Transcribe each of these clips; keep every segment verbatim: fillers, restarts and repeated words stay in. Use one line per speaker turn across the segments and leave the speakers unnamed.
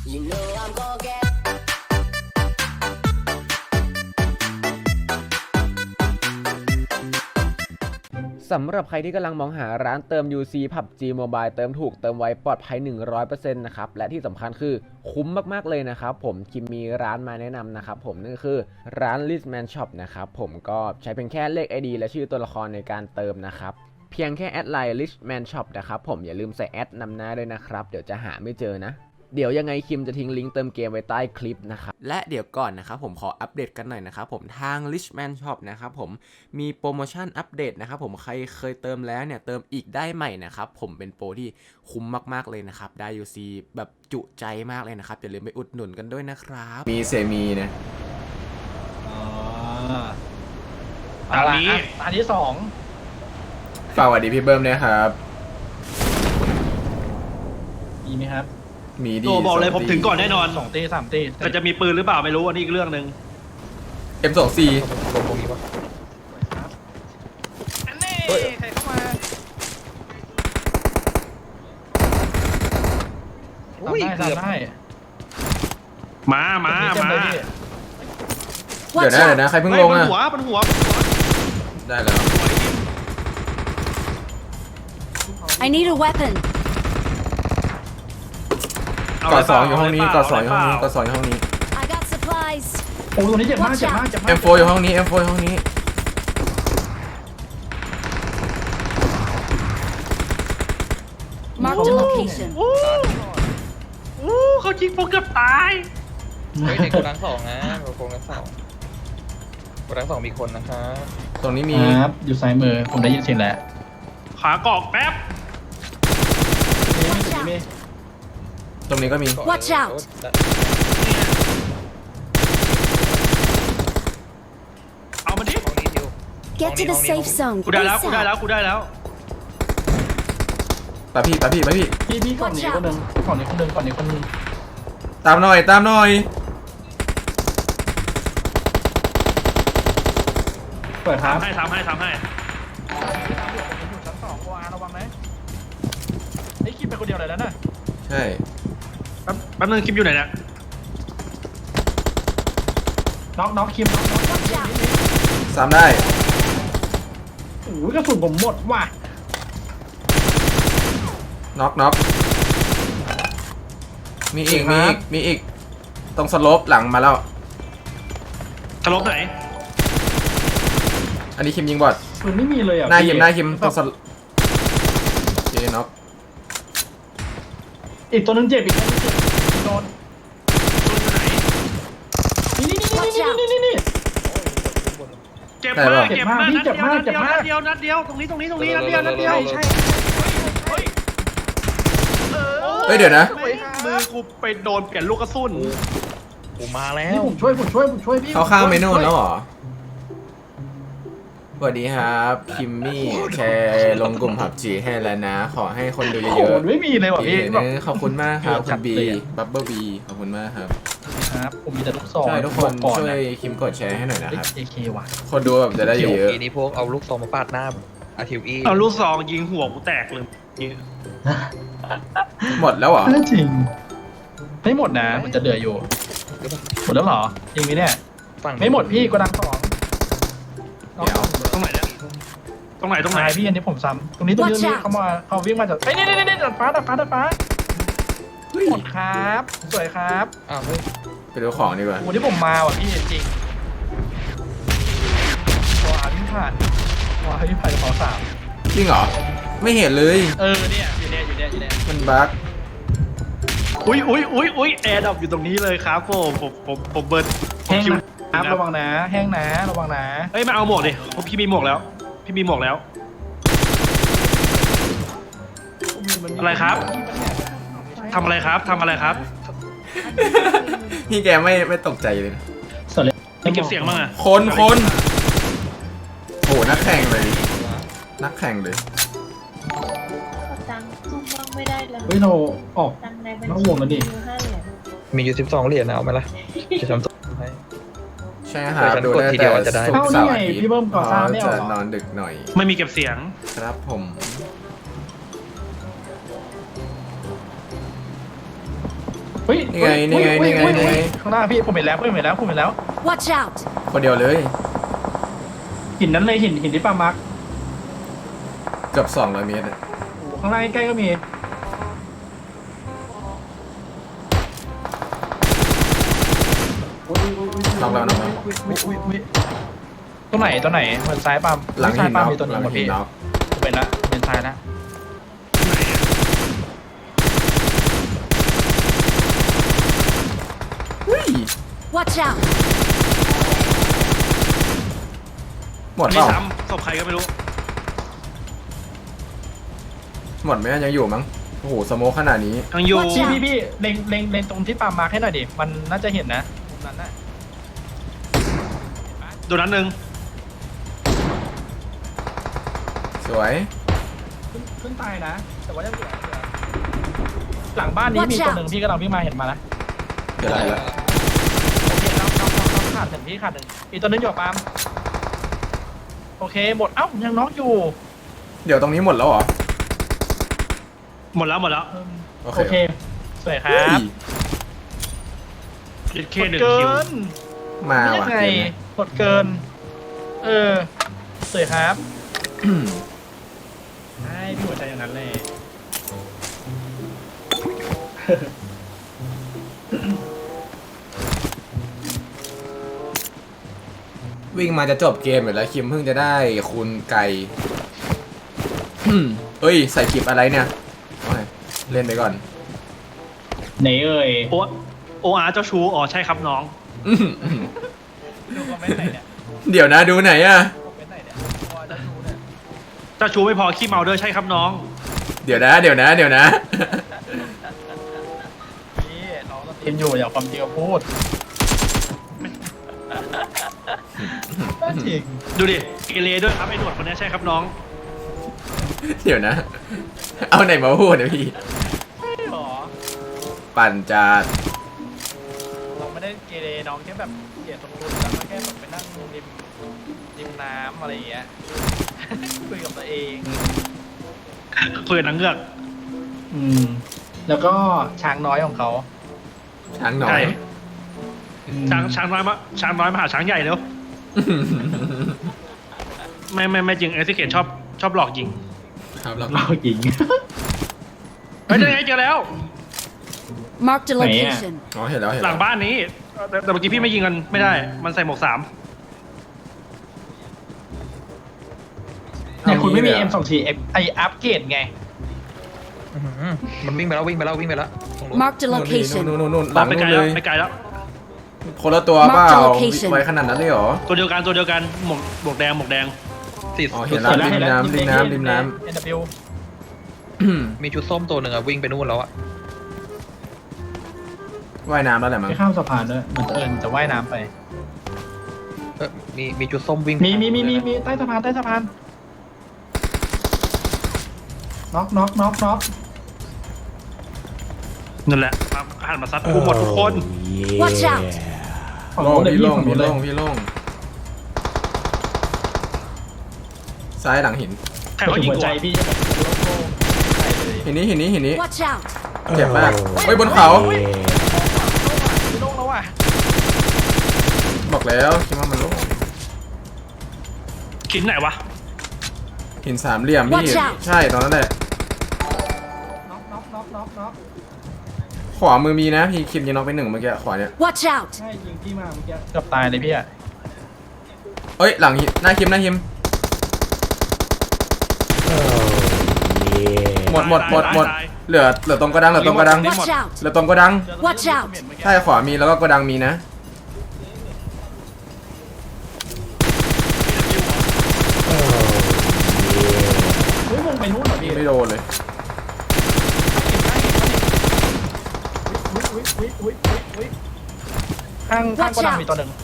You know I'm gonna get
สำหรับใครที่กำลังมองหาร้านเติม ยู ซี พับจี Mobile เติมถูกเติมไวปลอดภัย หนึ่งร้อยเปอร์เซ็นต์ นะครับและที่สำคัญคือคุ้มมากๆเลยนะครับผมคิมมีร้านมาแนะนำนะครับผมนั่นก็คือร้าน Richman Shop นะครับผมก็ใช้เพียงแค่เลข ไอ ดี และชื่อตัวละครในการเติมนะครับเพียงแค่แอดไลน์ Richman Shop นะครับผมอย่าลืมใส่แอดนำหน้าด้วยนะครับเดี๋ยวจะหาไม่เจอนะเดี๋ยวยังไงคิมจะทิ้งลิงก์เติมเกมไว้ใต้คลิปนะครับและเดี๋ยวก่อนนะครับผมขออัปเดตกันหน่อยนะครับผมทาง Richman Shop นะครับผมมีโปรโมชั่นอัปเดตนะครับผมใครเคยเติมแล้วเนี่ยเติมอีกได้ใหม่นะครับผมเป็นโปรที่คุ้มมากๆเลยนะครับได้ ยู ซี แบบจุใจมากเลยนะครับอย่าลืมไปอุดหนุนกันด้วยนะครับมีเซมีนะ
อ๋อตานี้ตาที่สอง
ฝากสวัสดีพี่เบิ้มด้วยครับ
มีไหมครับ
มีดีตัวบอกเลยผมถึงก่อนแน่นอน
สองตีสามตี
แต่จะมีปืนหรือเปล่าไม่รู้อันนี้อีกเรื่องหนึ่ง
เอ็ม สอง สี่
ตรงนี้ปะอันนี้ใครเข้ามาอุ้ยเกือบได้
มามามา
เดี๋ยวนะเดี๋ยวนะใครเพิ่งลงอ่ะ
หัวบนหัว
ได้แล้ว
I need a weapon
กอดสองอยู่ห้องนี้กอดสองอยู่ห้องนี้กอดสองอยู่ห้องนี้
I got supplies
โอ้ตรงนี้เจ็บมากเจ็บมากเจ็บมาก
เอ็ม โฟร์ อยู่ห้องนี้ เอ็ม โฟร์ อยู่ห้องนี้
Mark the location
โอ้เขาจิงโปเกือบตาย
เฮ้ยในโกดังสองนะโกดังสองโกดังสองมีคนนะครับ
ตรงนี้มี
ครับอยู่ซ้ายมือผมได้ยินเสียงแล้ว
ขากอกแป๊บ
ตรงนี้ก็มี
Watch out
เอามาดิ
Get to the safe zone
กูได้แล้วกูได้แล้วกูได้แล้ว
ตาพี่ตาพี่ตาพี่
พี่พี่ก่อนนี้คนหนึ่งก่อนนี้คนหนึ่งก่อนนี้คนหนึ่ง
ตามหน่อยตามหน่อย
เปิดครับ
ทำให้ทำให้ทำให้
ชั้นสองวาระวังนะไอ้คิมไปคนเดียวเลยแล้วน่ะ
ใช่
แป๊บแป๊บนึงคิมอยู่ไหนเนี่ย
น็อกน็อกคิมน็อกน็อก
ซ้ำได้
โอ้ยกระสุนผมหมดว่ะ
น็อกน็อกมีอีกมีอีกมีอีกตรงสโลปหลังมาแล้ว
สโลปไหน
อันนี้คิมยิงบอด
ปืนไม่มีเลยอ่ะ
หน้าคิมหน้าคิมตรงสโลปเจน็อก
อีกตัวนึงเจ็บอีกตัวนึงเจ็บโดนนี่นี่นี่นี่นี่นี่นี่
เจ็บมากเจ็บมากนัดเดียวนัดเดียวนัดเดียวนัดเดียวตรงนี้ตรงนี้ตรงนี้นัดเดียวนัดเดียวใช่
เฮ้ยเดี๋ยวนะ
มือกูไปโดนเปลี่ยนลูกกระสุน
กูมาแล้
วผมช่วยผมช่วยผมช่วยพี่
เขาข้ามเมนูแล้วเหรอสวัสดีครับคิมมี่แชร์ลงกลุ่มผับจีให้แล้วนะขอให้คนดูเยอะ
ๆไม่มีเลยว่ะพี่
ขอบคุณมากครับคุณบีบับเบิ้ลบีขอบคุณมากครับ
ครับผมมีแต่ลูกซอง
ใช่ทุกคนช่วยคิมกดแชร์ให้หน่อยนะครับ
เอเคว่ะ
คนดูแบบจะได้เยอะ
ๆทีนี้พวกเอาลูกซองมาปาดหน้าอาทิวอี
เอาลูกซองยิงหัวกูแตกเลย
หมดแล้วเหรอ
จริงไม่หมดนะมันจะเดืออยู่หมดแล้วเหรอจริงไหมเนี่ยไม่หมดพี่ก็ดังสอง
เดี๋ยวตรงไหนเนี่ยตรงไหนตรงไหน
พี่อันนี้ผมซ้ำตรงนี้ตรงนี้เขามาเขาวิ่งมาจากไอ้นี่นี่นี่ดัดฟ้าดัดฟ้าดัดฟ้าหมดครับสวยครับ
อ้าวเฮ้ย
ไปดูของดีกว่า
วันนี้ผมมาว่ะพี่จริงตัวอาวิ่งผ่านตัวอาวิ่งผ่านกระเป๋าสาม
จริงเหรอไม่เห็นเลย
เออเนี่ยอยู่เนี่ยอยู่เนี่ยอยู่เนี่ย
มันบั๊ก
อุ้ยอุ้ยอุ้ยอุ้ยแอร์ดรอปอยู่ตรงนี้เลยครับผมผมผมผมเบิร์ด
แห้งนะระวังนะแห้งนะระวังนะ
เฮ้ยมาเอาหมวกดิพี่มีหมวกแล้วพี่มีหมวกแล้วอะไรครับทำอะไรครับทำอะไรครับ
พี่แกไม่ไม่ตกใจเลย
ไม่เก็บเสียงมั้งอะ
คนคนโหนักแข่งเลยนักแข่งเลย
ตังค์ซุ่มบ้างไม่ได้เลย
เฮ้ยเราออกน้องวงแล้วดิ
มีอยู่สิบสองเหรียญเอาไหมล่ะจะทำตัวให้
ใช่ครับดูได้แต่สุกเสาร์อาทิตย์
พี่เบิ้มก่อสร้างไม่เอา
จะนอนดึกหน่อย
ไม่มีเก็บเสียง
ครับผม
เฮ้ย
นี่ไงนี่ไงนี่ไงนี่ไง
ข้างหน้าพี่ผมเห็นแล้วผมเห็นแล้วผมเห็นแล้ว
Watch out!
คนเดียวเลย
หินนั้นเลยหินหินที่ปามาร์ค
เกือบสองร้อยเมตรอะ
โอ้ข้างล่างใกล้ๆก็มีอุ้ยอุ้ยอุ้ย
น็อกแล้วน็อกแล้ว
อุ้ยอุ้ยอุ้ยอุ้ยตัวไหนตัวไหนเหมือนซ้ายปาล์ม
หลัง
ซ้า
หิ
ย
น
ปาล์
น็
ม
อก
มีตัวห
ห
นึ
ลั
ง
ง
หมด
หิน
พี่
น็อก
เป็นละเป็นซ้ายละ
เฮ้ย
Watch out!
หมด
มี
เปล่า
ซ้ำศพใครก็ไม่รู้
หมดไหมยังอยู่มั้งโอ้โหสโมคขนาดนี้
ยังอยู่
Watch
พี่
out
พี่พี่เล็งเล็งเล็งตรงที่ปาล์มมาร์คให้หน่อยดิมันน่าจะเห็นนะมุมนั้นน่ะ
โดนนั้นหนึ่ง
สวย
ขึ้นขึ้นตายนะ แต่ว่ายังเหลือเหลือหลังบ้านนี้
Watch
มีตัว
out
หนึ่งพี่กำลังวิ่งมาเห็นมาแล้ว
เดี๋ยวได้แล้ว
โอเคเราเราเราเราขาดหนึ่งพี่ขาดหนึ่งอีกตัวนึงอยู่กับปาล์มโอเคหมดเอ้ายังน็อกอยู่
เดี๋ยวตรงนี้หมดแล้วเหรอ
หมดแล้วหมดแล้ว
เอิ่ม
โอเค
โอเคสวยครั
เฮ้
บ
ย
เอเค
หมด
หนึ่ง
เกิ
คิวน
มา
ยั
ว่ะ
งไง
เกมนี้
หมดเกิน เออสวยครับใช่พี่หัวใจอย่างนั้นเลย
วิ่งมาจะจบเกมอยู่แล้วคิมเพิ่งจะได้คูณไก่ เฮ้ยใส่คลิปอะไรเนี่ยโอ้ยเล่นไปก่อน
ไหนเอ่ย
โอโออาร์เจ้าชูอ๋อใช่ครับน้อง
ดูคอมเมนต์ไหนเนี่ย
เดี๋ยวนะดูไหนอะ
คอมเมนต์ไหนเนี่ยพอจะดูเนี่ย
เจ้าชูไม่พอขี้เมาด้วยใช่ครับน้อง
เดี๋ยวนะ เดี๋ยวนะ เดี๋ยวนะ
พี่น้องต้องทีมอยู่อย่าความจริงมาพูดจริง
ดูดิเกเรด้วยครับไอ้หนวดคนนี้ใช่ครับน้อง
เดี๋ยวนะ เอาไหนมาพูดเนี่ยพี่
หรอ
ปั่นจัด
เราไม่ได้เกเรน้องแค่แบบเกลียดสมดุลแล้วก็แค่แบบไปนั่งริมริมน้ำอะไรอย่างเงี้ย คุยกับตัวเอง
คุยกับนางเงือก
อืม แล้วก็ช้างน้อยของเขา
ช้างหน่อ
ใช่
ย
ช้างช้างน้อยมาช้างน้อยมาหาช้างใหญ่เร็วไม่ไม่ไม่จริงเอซิเกตชอบชอบหลอกยิง
ครับแล้ว
เราหญิง
เฮ้ยเจอไงเจอแล้ว
Marked a
Mẹ.
location.
อ๋อเห็นแล้วเห็น
ห
แล้
ลั
ว
งบ้านนี้แต่แต่เมื่อกี้พี่ไม่ยิงกันไม่ได้ มันใส่หมวกสาม
เนี่ยคุณไม่มี เอ็ม สอง ที ไออัปเกรดไง
อื้อหือมันวิ่งไปแล้ววิ่งไปแล้ววิ่งไปแล้วตรงนู้น
Marked a
นู่นนี่
location.
นู่นนู่นนู่นห
ตา
ลั
ม
ง
ไปไกล
นู่น
แล้
เล
วย ไปไกลแล้ว
คนละตัวเปล่า
Mark the location
ไว้ขนาดนั้นเลยเหรอ
ตัวเดียวกันตัวเดียวกันหมวกหมวกแดงหมวกแดง
ติด
อ๋อเห็นแล้ว ริมน้ำริมน้ำริมน้
เอ็น ดับเบิลยู
มีชุดส้มตัวหนึ่งอะวิ่งไปนู่นแล้วอะ
ว่ายน้ำแล้วแหละมั้ง
ไปข้ามสะพานด้วยเหมือนเอิญจะว่ายน้ำไป
เออมีมีชุดส้มวิ่ง
มีมีมีมีมีใต้สะพานใต้สะพานน็อกน็อกน็อกน็อก
นั่นแหละมาหันมาซัดกูหมดทุกคน
Watch out!
ฝั่ง
โล่
โน้
ง
นเลย
พี่
พี่
โล่ง
ฝั่ง
พี่
โน้นเล
โล่
ย
งพี่โล่งซ้ายหลังหิน
ใครเขายิง
หัว
กู
ใจ
อะ
พี่จะแบบโล่งๆใส่เลย
หินนี้หินนี้หินนี้
Watch out!
เจ็บมากเฮ้ยบนเขา
โล่งแล้วอ่ะ
บอกแล้วคิดว่ามันโล่ง
ขินไหนวะ
หินสามเหลี่ยมพี่
Watch out
ใช่ตอนนั้นแหละ
น็อกน็อกน็อกน็อกน็อก
ขวามือมีนะพี่คิมยิงน็อกไปหนึ่งเมื่อกี้ขวาเนี่ย
Watch out!
ใช่ยิงพี่มาเมื่อกี้เกือบตายเลยพี่อ่ะ
เอ้ยหลังหินหน้าคิมหน้าคิมหมดหมดหมดหมด
ตาย
เหลือเหลือตรงกระดังเหลือตรงกระดัง
Watch out!
เหลือตรงกระดัง
Watch out
ใช่ขวามีแล้วก็กระดังมีนะ
เฮ้ยมึงไปนู่นเหรอพี่
ไม่โดนเลย
อุ๊ยอุ๊ยอุ๊ยอุ๊ยอุ๊ยข้างข้างกระดังมีตัวหนึ่ง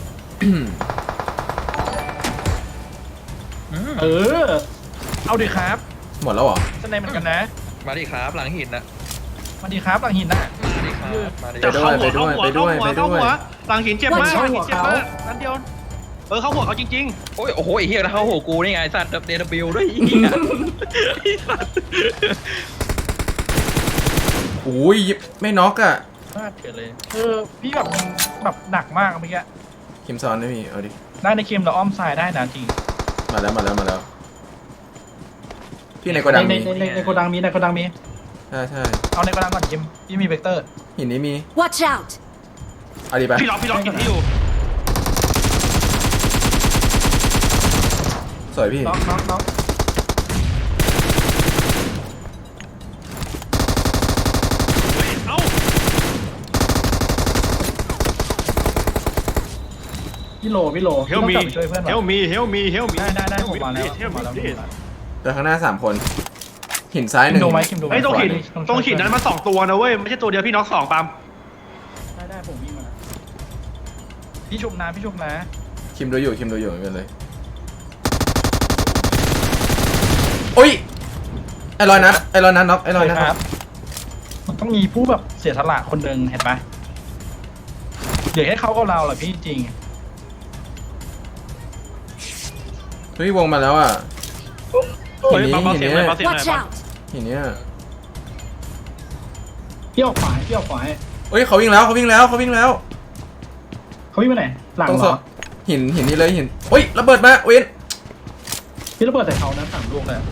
อืม
เออ เอาดิครับ
หมดแล้วเหรอ
สไนเหมือนกันนะ
มาดิครับหลังหินนะ
มาดีครับหลังหินน่ะ
มาดิครับมาดิ
จะเข้าหัว
ไปด้
เข้า
วย
หัว
ไปด้
เข้า
วย
หัว
ไปด้วย
เข้าหัวหลังหินเจ็บมาก
เข้า
หลัง
หั
หิ
วน
เจ็บ
เขา
มากนั่นเดียวเออเข้าหัวเขาจริง
โอ้ยโอ้โหไอ้เหี้ยนะเข้าหัวกูนี่ไงไอ้สัตว์เดนบิวด้วยไอ้เหี้ย
ๆ
อุ้ยไม่น็อกอ่ะ
พลาดเฉยเลยเออพี่แบบแบบหนักมากเมื่อกี้
คิมซ้อนไม่มีเอาดิ
ได้ในเกมเราอ้อมซ้ายได้นะจริง
มาแล้วมาแล้วมาแล้ว พี่ในโกดัง
ใน
มี
ในในในโกดังมีในโกดังมี
ใช่ใช่
เอาในกระดานก่อนจิมพี่มีเวกเตอร์
หินนี้มี
Watch out!
เอาดิไป
พี่ล็อกพี่ล็อกกินที่อยู่
สวยพี่
น็อกน็อกน็อกเฮ้ยเอ้าพี่โลพี่โล
เฮลมีช่วยเพื่อน
เฮลมีเฮลมีเฮลมี
ได้ได้ได้ผมมาแล้วผมมาแล้ว
เดี๋ยวข้างหน้าสามคน หินซ้ายห
คิ
นึ่
ม
ง
ดูไหมคิมดูไหม
ไอ้ยตรงหินตรงหินนั้นมาสองตัวนะเว้ยไม่ใช่ตัวเดียวพี่น็อกสองปาล์ม
ได้ได้ผมมีมาพี่ชุบนะพี่ชุบนะ
คิมดูอยู่คิมดูอยู่ไม่เป็นไรโอ้ยไอ้รอยนัดไอ้รอยนัดน็อกไอ้รอยนัด
ค
น็
รั
อบ ก
มันต้องมีผู้แบบเสียสละคนหนึ่งเห็นไหมเดี๋ยวให้เขากับเราแหละพี่จริง
เฮ้ยวงมาแล้วอ่ะหิน
เฮ้ย
นี้
เบาๆ
หิน
เสียง
นี้
หน่อยเบาเสียงหน่
Watch
อย
out!
หินนี้
พี่ออกขวาพี่ออกขวา
เฮ้ยเขาวิ่งแล้วเขาวิ่งแล้วเขาวิ่งแล้ว
เขาวิ่งไปไหนหลัง
ตรง
เห
ศ
รอ
พหินหินนี้เลยหินโอ้ยระเบิดมาเวน
พี่ระเบิดใส่เขานะสามลูกเลย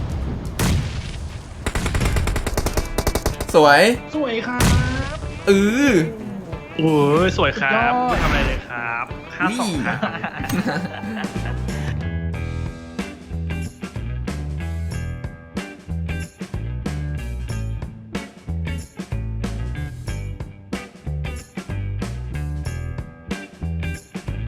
สวย
สวยครับ
เออ
โอ้ยสวยครับ
สุดยอด
ไม่ทำอะไรเลยครับห้าสองครับ
ว